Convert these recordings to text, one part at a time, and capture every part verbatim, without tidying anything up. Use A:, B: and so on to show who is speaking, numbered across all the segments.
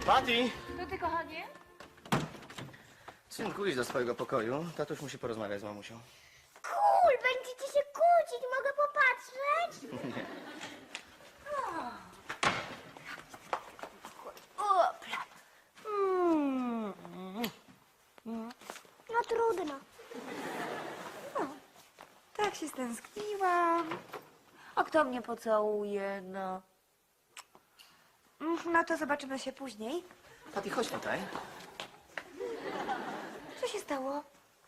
A: Patty!
B: To ty, kochanie?
A: Synku, idź do swojego pokoju. Tatuś musi porozmawiać z mamusią.
C: Cool, będziecie się kłócić, mogę popatrzeć?
A: Nie.
C: Opla. Mm. No trudno.
B: Tak się stęskniłam. A kto mnie pocałuje, no? Mm, No to zobaczymy się później.
A: Patty, chodź tutaj.
B: Co się stało?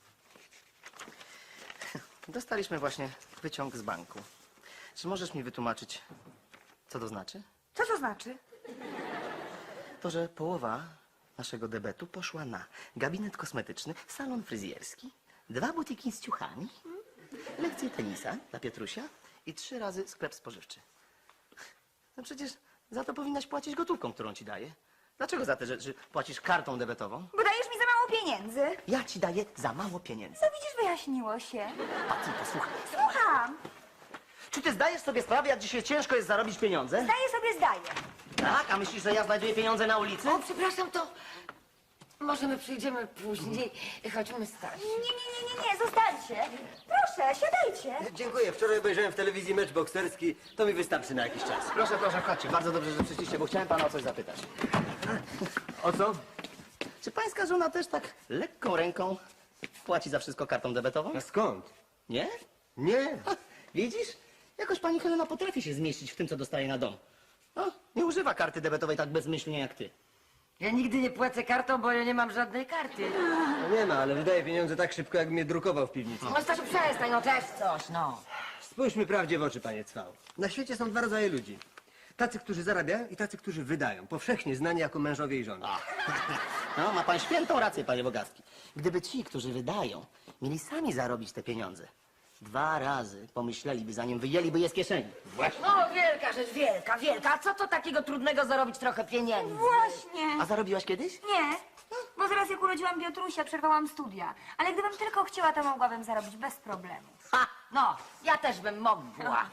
A: Dostaliśmy właśnie wyciąg z banku. Czy możesz mi wytłumaczyć, co to znaczy?
B: Co to znaczy?
A: To, że połowa naszego debetu poszła na gabinet kosmetyczny, salon fryzjerski, dwa butiki z ciuchami, lekcje tenisa dla Pietrusia i trzy razy sklep spożywczy. No przecież za to powinnaś płacić gotówką, którą ci daję. Dlaczego za te rzeczy płacisz kartą debetową?
B: Bo dajesz mi za mało pieniędzy.
A: Ja ci daję za mało pieniędzy.
B: No widzisz, wyjaśniło się.
A: Patty, posłuchaj.
B: Słucham.
A: Czy ty zdajesz sobie sprawę, jak dzisiaj ciężko jest zarobić pieniądze?
B: Zdaję sobie, zdaję.
A: Tak? A myślisz, że ja znajduję pieniądze na ulicy?
D: O, przepraszam, to możemy przyjdziemy później. Chodźmy, Staś.
B: Nie, nie, nie, nie, nie, zostańcie. Proszę, siadajcie.
E: Dziękuję. Wczoraj obejrzałem w telewizji mecz bokserski. To mi wystarczy na jakiś czas.
A: Proszę, proszę, chodźcie. Bardzo dobrze, że przyszliście, bo chciałem pana o coś zapytać.
E: O co?
A: Czy pańska żona też tak lekką ręką płaci za wszystko kartą debetową?
E: A skąd?
A: Nie?
E: Nie.
A: Ha, widzisz? Jakoś pani Helena potrafi się zmieścić w tym, co dostaje na dom. No, nie używa karty debetowej tak bezmyślnie jak ty.
D: Ja nigdy nie płacę kartą, bo ja nie mam żadnej karty.
E: No nie ma, ale wydaje pieniądze tak szybko, jak mnie drukował w piwnicy.
D: No, Stasiu, przestań, no też coś, no.
E: Spójrzmy prawdzie w oczy, panie Cwał. Na świecie są dwa rodzaje ludzi. Tacy, którzy zarabiają i tacy, którzy wydają. Powszechnie znani jako mężowie i żony.
A: No, ma pan świętą rację, panie Bogacki. Gdyby ci, którzy wydają, mieli sami zarobić te pieniądze, dwa razy pomyśleliby, zanim wyjęliby je z kieszeni.
D: No, wielka rzecz, wielka, wielka. A co to takiego trudnego zarobić trochę pieniędzy?
B: Właśnie.
A: A zarobiłaś kiedyś?
B: Nie, bo zaraz jak urodziłam Piotrusia, przerwałam studia. Ale gdybym tylko chciała, to mogłabym zarobić bez problemu.
D: Ha! No, ja też bym mogła.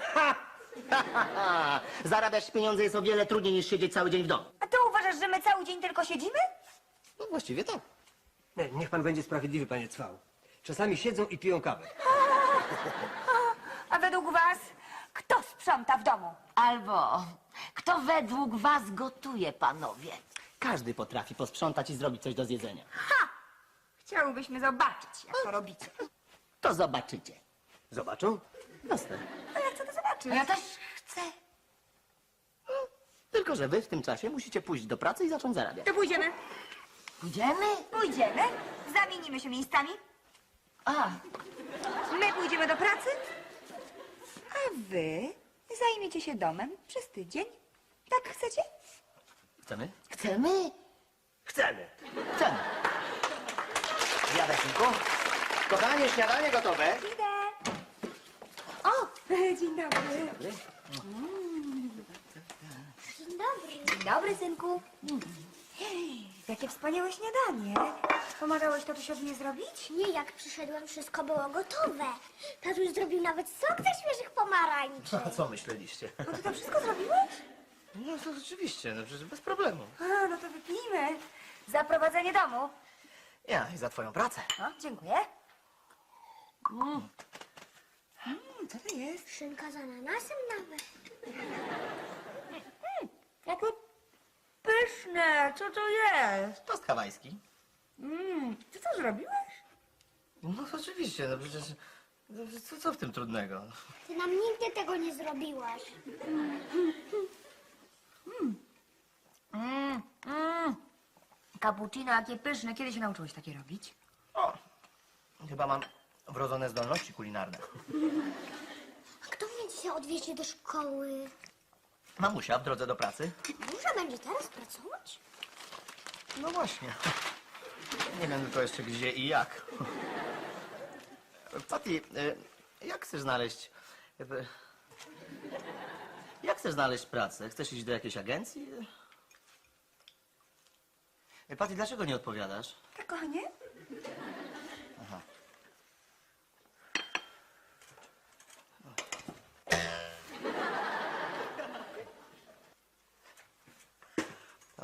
A: Zarabiać pieniądze jest o wiele trudniej niż siedzieć cały dzień w domu.
B: A ty uważasz, że my cały dzień tylko siedzimy?
A: No właściwie tak.
E: Nie, niech pan będzie sprawiedliwy, panie Cwał. Czasami siedzą i piją kawę.
B: A według was, kto sprząta w domu?
D: Albo kto według was gotuje, panowie?
A: Każdy potrafi posprzątać i zrobić coś do zjedzenia.
B: Ha! Chciałybyśmy zobaczyć, jak to robicie.
A: To zobaczycie.
E: Zobaczą?
A: Jasne.
B: A ja chcę to zobaczyć.
D: Ja też chcę.
A: Tylko że wy w tym czasie musicie pójść do pracy i zacząć zarabiać.
B: To pójdziemy.
D: Pójdziemy?
B: Pójdziemy. Zamienimy się miejscami.
D: A,
B: My pójdziemy do pracy, a wy zajmiecie się domem przez tydzień. Tak chcecie?
A: Chcemy?
D: chcemy?
E: Chcemy.
A: Chcemy. Zjadaj, synku. Kochanie, śniadanie gotowe.
B: Idę. O, dzień dobry.
C: Dzień dobry.
B: Dzień dobry, synku. Hej, jakie wspaniałe śniadanie. Pomagałeś tatusiowi je zrobić?
C: Nie, jak przyszedłem, wszystko było gotowe. Tatuś zrobił nawet sok ze świeżych pomarańczy.
A: A co myśleliście?
B: No ty to wszystko zrobiłeś?
A: No to oczywiście, no przecież bez problemu.
B: A, no to wypijmy. Za prowadzenie domu.
A: Ja i za twoją pracę.
B: No, dziękuję. Mm. Mm, co to jest?
C: Szynka z ananasem nawet.
B: Jakie pyszne. Co to jest?
A: Tost hawajski.
B: Mm, ty co zrobiłeś?
A: No oczywiście, no przecież... no Co, co w tym trudnego?
C: Ty nam nigdy tego nie zrobiłaś.
B: Mm, mm. Cappuccino, jakie pyszne. Kiedy się nauczyłeś takie robić?
A: O, chyba mam wrodzone zdolności kulinarne.
C: A kto mnie dzisiaj odwiezie do szkoły?
A: Mamusia w drodze do pracy?
C: Muszę będzie teraz pracować?
A: No właśnie. Nie wiem tylko jeszcze gdzie i jak. Patty, y, jak chcesz znaleźć... jakby- Jak chcesz znaleźć pracę? Chcesz iść do jakiejś agencji? Y, Patty, dlaczego nie odpowiadasz?
B: Tak, kochanie?
A: Aha.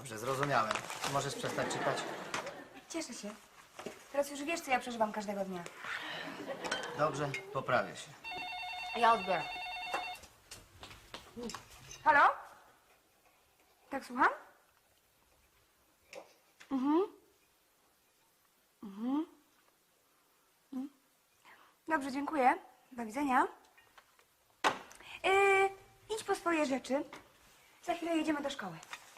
A: Dobrze, zrozumiałem. Możesz przestać czytać.
B: Cieszę się. Teraz już wiesz, co ja przeżywam każdego dnia.
A: Dobrze, poprawię się.
B: Ja odbiorę. Halo? Tak, słucham? Mhm. Mhm. Mhm. Dobrze, dziękuję. Do widzenia. Yy, idź po swoje rzeczy. Za chwilę jedziemy do szkoły.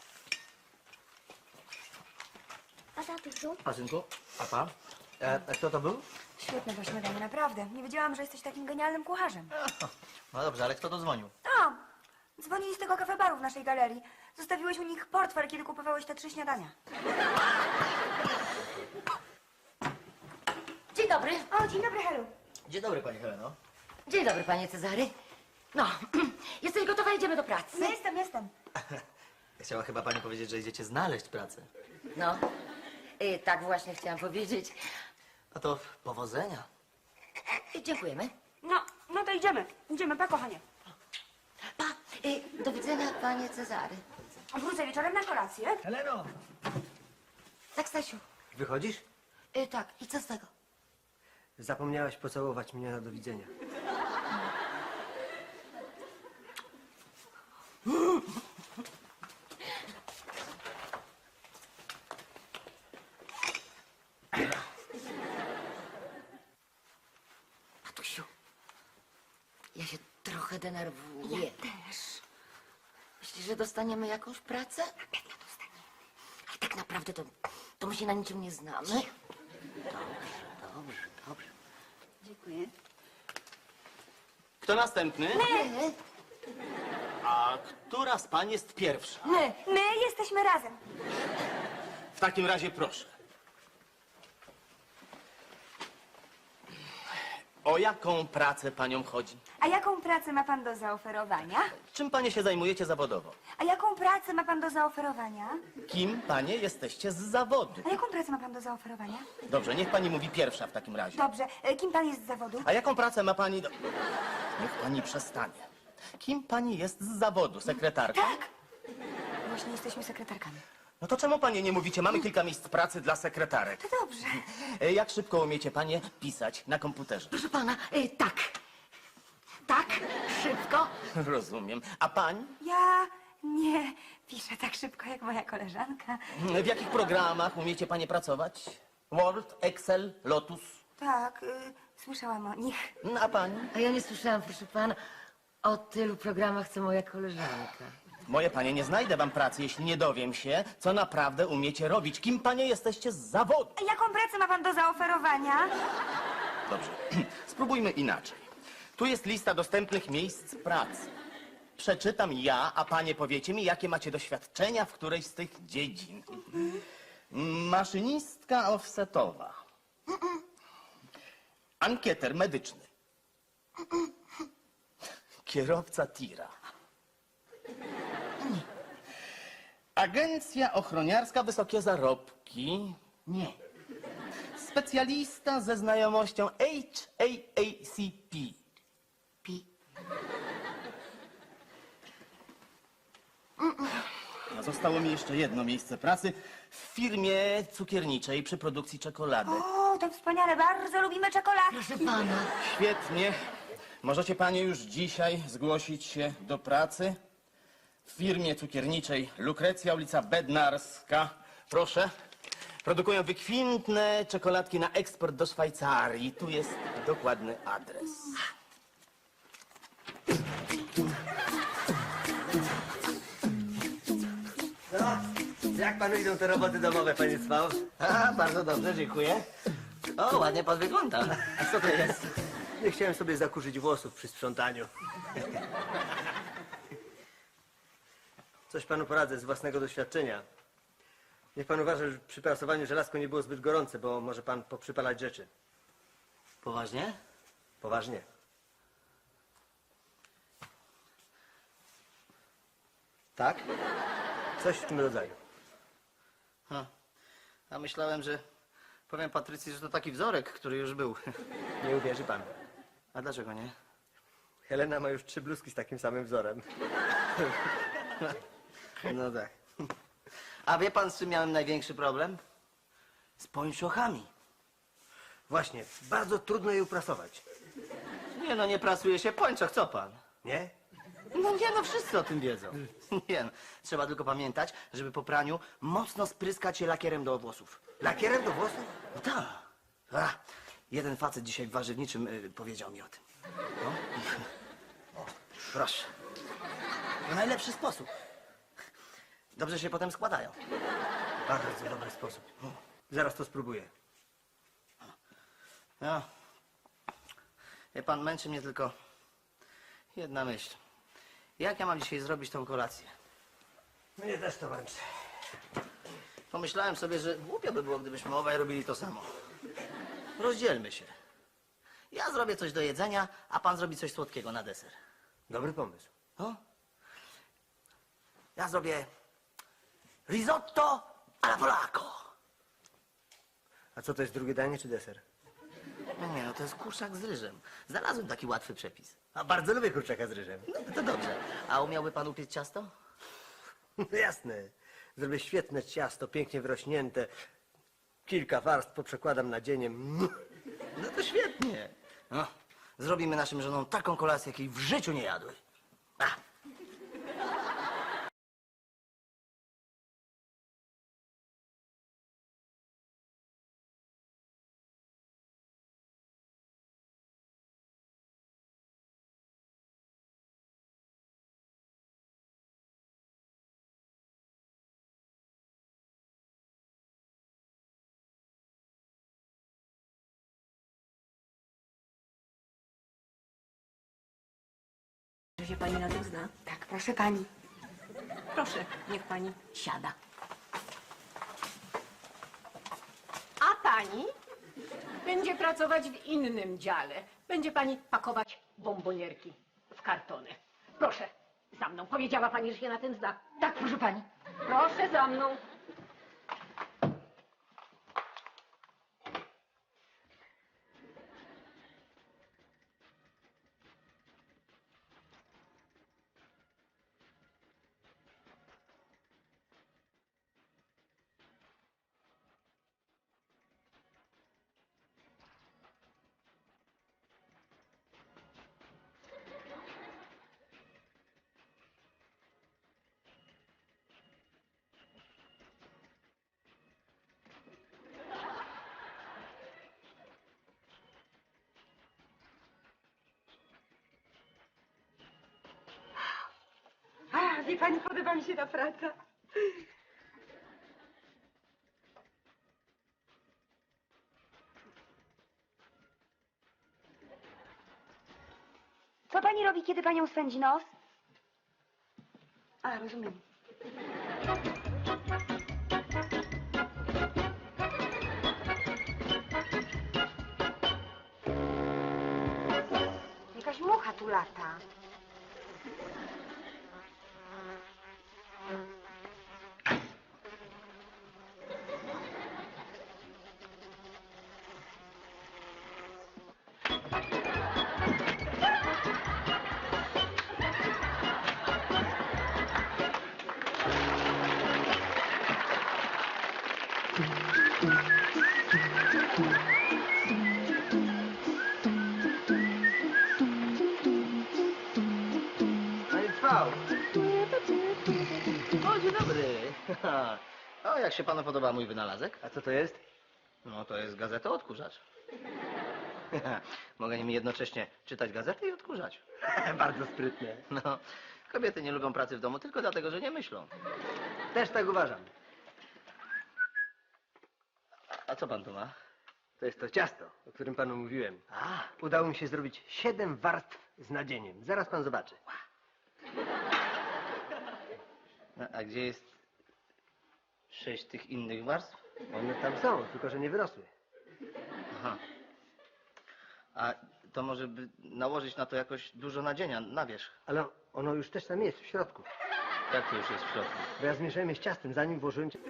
C: A tatusiu?
A: A synku? A pa? E, a kto to był?
B: Świetne to śniadanie, naprawdę. Nie wiedziałam, że jesteś takim genialnym kucharzem.
A: No dobrze, ale kto to dzwonił?
B: A, dzwonili z tego kafe-baru w naszej galerii. Zostawiłeś u nich portfel, kiedy kupowałeś te trzy śniadania.
D: Dzień dobry.
B: O, dzień dobry, Helu.
A: Dzień dobry, pani Heleno.
D: Dzień dobry, panie Cezary. No, jesteś gotowa? Idziemy do pracy.
B: No, jestem, jestem.
A: Chciała chyba pani powiedzieć, że idziecie znaleźć pracę.
D: No, y, tak właśnie chciałam powiedzieć.
A: No to powodzenia.
D: Y, Dziękujemy.
B: No, no to idziemy. Idziemy, pa, kochanie.
D: Pa, y, do widzenia, panie Cezary.
B: Wrócę wieczorem na kolację.
E: Heleno!
D: Tak, Stasiu.
E: Wychodzisz?
D: Y, tak, i co z tego?
E: Zapomniałaś pocałować mnie na do widzenia.
D: Matusiu, ja się trochę denerwuję. Ja też. Myślisz, że dostaniemy jakąś pracę? Na pewno dostaniemy. Ale tak naprawdę to, to my się na niczym nie znamy. Dobrze, dobrze, dobrze.
B: Dziękuję.
F: Kto następny?
D: My?
F: A która z pań jest pierwsza?
B: My, my jesteśmy razem.
F: W takim razie proszę. O jaką pracę paniom chodzi?
B: A jaką pracę ma pan do zaoferowania?
F: Czym panie się zajmujecie zawodowo?
B: A jaką pracę ma pan do zaoferowania?
F: Kim panie jesteście z zawodu?
B: A jaką pracę ma pan do zaoferowania?
F: Dobrze, niech pani mówi pierwsza w takim razie.
B: Dobrze, e, kim pan jest z zawodu?
F: A jaką pracę ma pani do... Niech pani przestanie. Kim pani jest z zawodu? Sekretarka?
B: Tak. Właśnie jesteśmy sekretarkami.
F: No to czemu panie nie mówicie? Mamy kilka miejsc pracy dla sekretarek.
B: To dobrze.
F: E, Jak szybko umiecie panie pisać na komputerze?
D: Proszę pana, y, tak. Tak, szybko.
F: Rozumiem. A pań?
B: Ja nie piszę tak szybko jak moja koleżanka.
F: W jakich programach umiecie panie pracować? Word, Excel, Lotus.
B: Tak, y, słyszałam o nich.
F: A pani?
D: A ja nie słyszałam, proszę pana, o tylu programach, co moja koleżanka.
F: Moje panie, nie znajdę wam pracy, jeśli nie dowiem się, co naprawdę umiecie robić. Kim panie jesteście z zawodu?
B: A jaką pracę ma pan do zaoferowania?
F: Dobrze, spróbujmy inaczej. Tu jest lista dostępnych miejsc pracy. Przeczytam ja, a panie powiecie mi, jakie macie doświadczenia w którejś z tych dziedzin. Maszynistka offsetowa. Ankieter medyczny. Kierowca tira. Agencja ochroniarska, wysokie zarobki. Nie. Specjalista ze znajomością H A A C P.
D: Pi.
F: A zostało mi jeszcze jedno miejsce pracy w firmie cukierniczej przy produkcji czekolady.
B: O, to wspaniale, bardzo lubimy czekoladę.
D: Proszę pana.
F: Świetnie. Możecie panie już dzisiaj zgłosić się do pracy w firmie cukierniczej Lukrecja, ulica Bednarska. Proszę. Produkują wykwintne czekoladki na eksport do Szwajcarii. Tu jest dokładny adres.
E: No, jak panu idą te roboty domowe, panie Cwał?
A: A, bardzo dobrze, dziękuję. O, ładnie pan wygląda. A co to jest?
E: Nie chciałem sobie zakurzyć włosów przy sprzątaniu. Coś panu poradzę z własnego doświadczenia. Niech pan uważa, że przy prasowaniu żelazko nie było zbyt gorące, bo może pan poprzypalać rzeczy.
A: Poważnie?
E: Poważnie.
A: Tak?
E: Coś w tym rodzaju.
A: Ha. A myślałem, że powiem Patrycji, że to taki wzorek, który już był.
E: Nie uwierzy pan.
A: A dlaczego nie?
E: Helena ma już trzy bluzki z takim samym wzorem.
A: No tak. A wie pan, z czym miałem największy problem? Z pończochami.
E: Właśnie, bardzo trudno je uprasować.
A: Nie no, nie prasuje się pończoch, co pan?
E: Nie?
A: No nie no, wszyscy o tym wiedzą. Nie no, trzeba tylko pamiętać, żeby po praniu mocno spryskać je lakierem do włosów.
E: Lakierem do włosów?
A: No tak. A, jeden facet dzisiaj w warzywniczym y, powiedział mi o tym. No. O, proszę. To najlepszy sposób. Dobrze się potem składają.
E: Bardzo dobry sposób. Zaraz to spróbuję.
A: No. Wie pan, męczy mnie tylko jedna myśl. Jak ja mam dzisiaj zrobić tą kolację?
E: Mnie też to męczy.
A: Pomyślałem sobie, że głupio by było, gdybyśmy obaj robili to samo. Rozdzielmy się. Ja zrobię coś do jedzenia, a pan zrobi coś słodkiego na deser.
E: Dobry pomysł.
A: No? Ja zrobię risotto alla polacco.
E: A co to jest drugie danie czy deser?
A: No nie, no to jest kurczak z ryżem. Znalazłem taki łatwy przepis.
E: A bardzo lubię kurczaka z ryżem.
A: No to dobrze. A umiałby pan upiec ciasto?
E: No jasne. Zrobię świetne ciasto, pięknie wyrośnięte. Kilka warstw poprzekładam na dzieniem.
A: No to świetnie. No, zrobimy naszym żonom taką kolację, jakiej w życiu nie jadły. A.
G: Że się pani na tym zna?
B: Tak, proszę pani.
G: Proszę, niech pani siada.
H: A pani będzie pracować w innym dziale. Będzie pani pakować bombonierki w kartony. Proszę, za mną. Powiedziała pani, że się na tym zna.
D: Tak, proszę pani.
H: Proszę za mną.
B: A, wie pani, podoba mi się ta praca. Co pani robi, kiedy panią swędzi nos? A, rozumiem. Jakaś mucha tu lata.
E: Panie Trwał!
A: O, dzień dobry. O, jak się panu podoba mój wynalazek?
E: A co to jest?
A: No, to jest gazeta odkurzacz. Mogę nim jednocześnie czytać gazetę i odkurzać.
E: Bardzo sprytne.
A: No, kobiety nie lubią pracy w domu tylko dlatego, że nie myślą.
E: Też tak uważam.
A: A co pan tu ma?
E: To jest to ciasto, o którym panu mówiłem.
A: A,
E: Udało mi się zrobić siedem warstw z nadzieniem. Zaraz pan zobaczy.
A: no, a gdzie jest sześć tych innych warstw?
E: One tam są, tylko że nie wyrosły.
A: Aha. A to może by nałożyć na to jakoś dużo nadzienia na wierzch.
E: Ale ono już też tam jest, w środku.
A: Jak to już jest w środku?
E: Bo ja zmieszałem je z ciastem, zanim włożyłem... cia-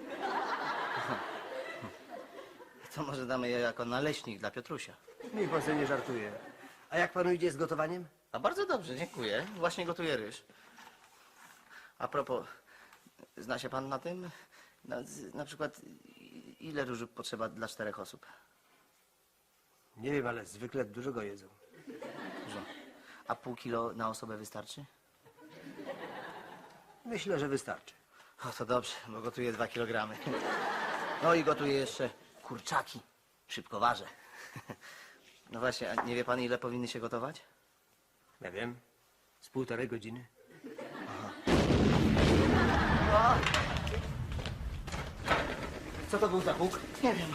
A: To może damy je jako naleśnik dla Piotrusia.
E: Niech pan sobie nie żartuje. A jak panu idzie z gotowaniem?
A: A bardzo dobrze, dziękuję. Właśnie gotuję ryż. A propos, zna się pan na tym? Na, z- na przykład i- ile różu potrzeba dla czterech osób?
E: Nie wiem, ale zwykle dużo go jedzą.
A: Dużo. A pół kilo na osobę wystarczy?
E: Myślę, że wystarczy.
A: O, to dobrze, bo gotuję dwa kilogramy. No i gotuję jeszcze kurczaki. Szybko ważę. No właśnie, a nie wie pan, ile powinny się gotować?
E: Ja wiem, z półtorej godziny. Co to był za huk?
A: Nie wiem.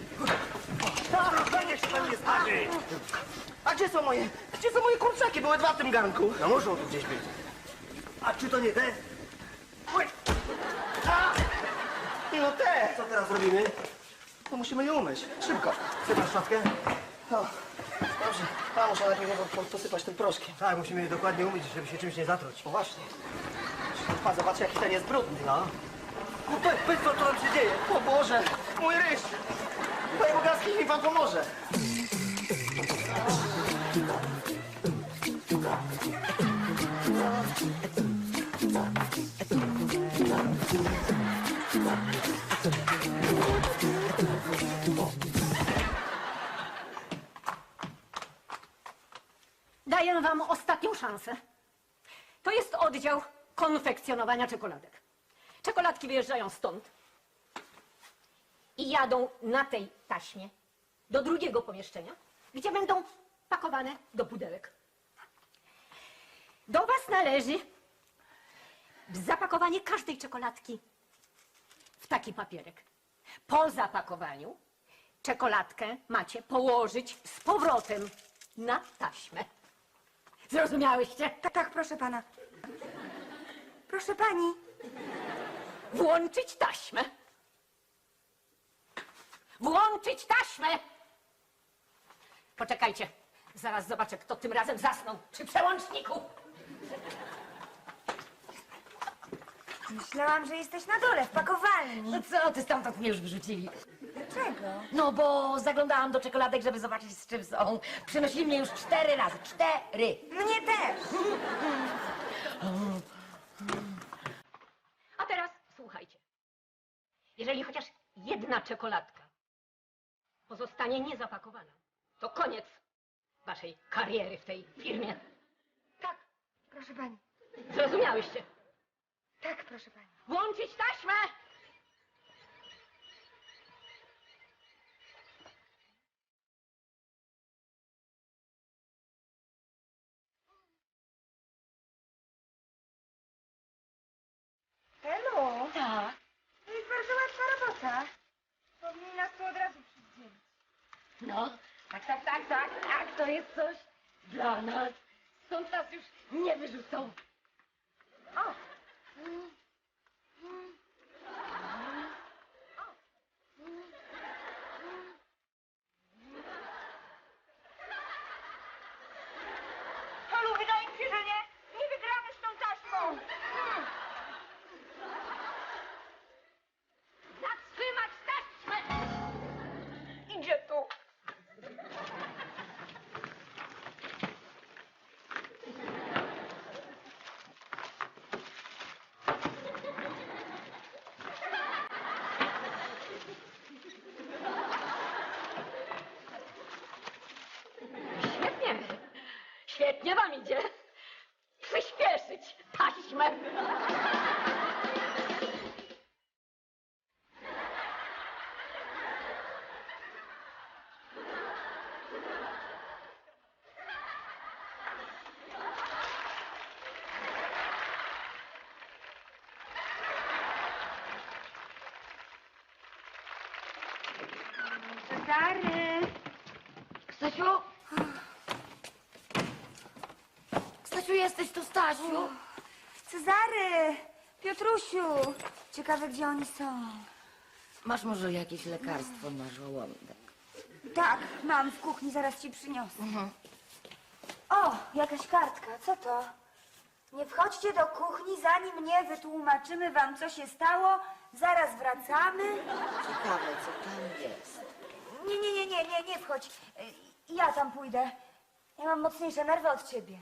E: To niech się pan nie starzy!
A: A gdzie są moje, gdzie są moje kurczaki? Były dwa w tym garnku.
E: No muszą tu gdzieś być. A czy to nie te?
A: Oj. A! No te!
E: Co teraz robimy?
A: To musimy je umyć. Szybko.
E: Chce pan szczotkę?
A: O, dobrze. A, muszę najpierw je po- posypać tym proszkiem.
E: Tak, musimy je dokładnie umyć, żeby się czymś nie zatruć.
A: O właśnie. Pan zobaczy, jaki ten jest brudny.
E: No. No powiedz, powiedz co, co tam się dzieje?
A: O Boże, mój ryż. Panie Bogarski, niech mi pan pomoże.
H: Daję wam ostatnią szansę. To jest oddział konfekcjonowania czekoladek. Czekoladki wyjeżdżają stąd i jadą na tej taśmie do drugiego pomieszczenia, gdzie będą pakowane do pudełek. Do was należy zapakowanie każdej czekoladki w taki papierek. Po zapakowaniu czekoladkę macie położyć z powrotem na taśmę. Zrozumiałyście?
B: Tak, tak, proszę pana. Proszę pani.
H: Włączyć taśmę. Włączyć taśmę! Poczekajcie, zaraz zobaczę, kto tym razem zasnął przy przełączniku.
B: Myślałam, że jesteś na dole, w pakowalni.
D: No co, ty stamtąd mnie już wyrzucili.
B: Dlaczego?
D: No bo zaglądałam do czekoladek, żeby zobaczyć, z czym są. Przynosili mnie już cztery razy. Cztery!
B: Mnie też.
H: A teraz słuchajcie. Jeżeli chociaż jedna czekoladka pozostanie niezapakowana, to koniec waszej kariery w tej firmie.
B: Tak, proszę pani.
H: Zrozumiałyście?
B: Tak, proszę pani.
H: Włączyć taśmę!
B: Hello.
D: Tak.
B: To jest bardzo łatwa robota. Powinni nas tu od razu przydzielić.
D: No, tak, tak, tak, tak, tak, to jest coś dla nas. Stąd nas już nie wyrzucą.
B: O! Holu, wydaje mi się, że nie, nie wygramy z tą taśmą.
H: Zatrzymać taśmę!
B: Idzie tu.
H: Świetnie. Świetnie wam idzie. Przyspieszyć taśmę.
B: Cezary.
D: Stasiu? Stasiu, jesteś tu, Stasiu?
B: Cezary. Piotrusiu. Ciekawe, gdzie oni są.
D: Masz może jakieś lekarstwo na żołądek?
B: Tak, mam w kuchni, zaraz ci przyniosę. O, jakaś kartka, co to? Nie wchodźcie do kuchni, zanim nie wytłumaczymy wam, co się stało. Zaraz wracamy.
D: Ciekawe, co tam jest.
B: Nie, nie, nie, nie, nie, nie wchodź. Y, Ja tam pójdę. Ja mam mocniejsze nerwy od ciebie.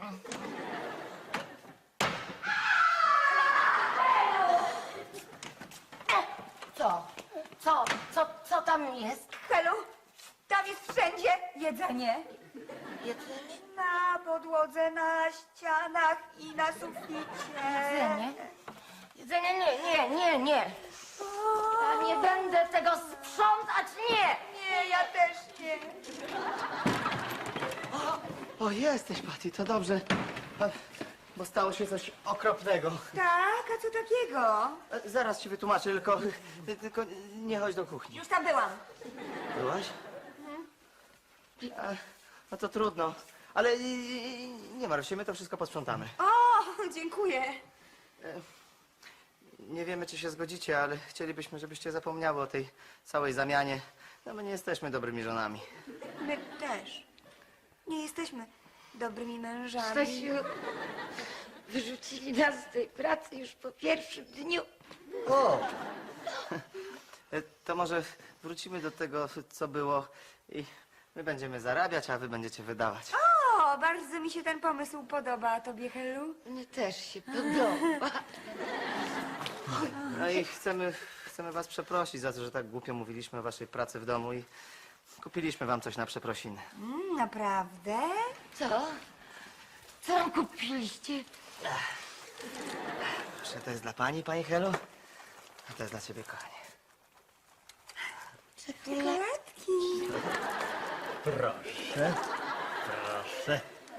D: Co? Co? Co? Co, co tam jest?
B: Helu, tam jest wszędzie jedzenie.
D: Jedzenie?
B: Na podłodze, na ścianach i na suficie.
D: Jedzenie? Jedzenie? Nie, nie, nie, nie. Ja nie będę tego sprzątać, nie!
B: Nie, ja też nie.
A: O, jesteś, Patty, to dobrze. A, Bo stało się coś okropnego.
B: Tak, a co takiego?
A: E, Zaraz ci wytłumaczę, tylko, ty- tylko nie chodź do kuchni.
B: Już tam byłam.
A: Byłaś? E, No to trudno. Ale e, nie martw się, my to wszystko posprzątamy.
B: O, dziękuję.
A: Nie wiemy, czy się zgodzicie, ale chcielibyśmy, żebyście zapomniały o tej całej zamianie. No my nie jesteśmy dobrymi żonami.
B: My też. Nie jesteśmy dobrymi mężami.
D: Stasiu, wyrzucili nas z tej pracy już po pierwszym dniu.
A: O! E, To może wrócimy do tego, co było i my będziemy zarabiać, a wy będziecie wydawać.
B: O, bardzo mi się ten pomysł podoba. A tobie, Helu?
D: Mnie też się podoba.
A: No i chcemy, chcemy was przeprosić za to, że tak głupio mówiliśmy o waszej pracy w domu i kupiliśmy wam coś na przeprosiny.
B: Mm, naprawdę?
D: Co? Co nam kupiliście?
A: Proszę, to jest dla pani, pani Helu, a to jest dla ciebie, kochanie.
B: Czekoladki.
A: Proszę, proszę.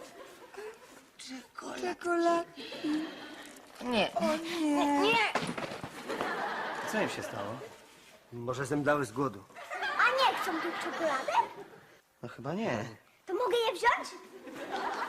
B: Czekoladki.
D: Nie. Nie. Nie.
A: Co im się stało?
E: Może zemdlały z głodu.
C: A nie chcą tu czekolady?
A: No chyba nie.
C: To mogę je wziąć?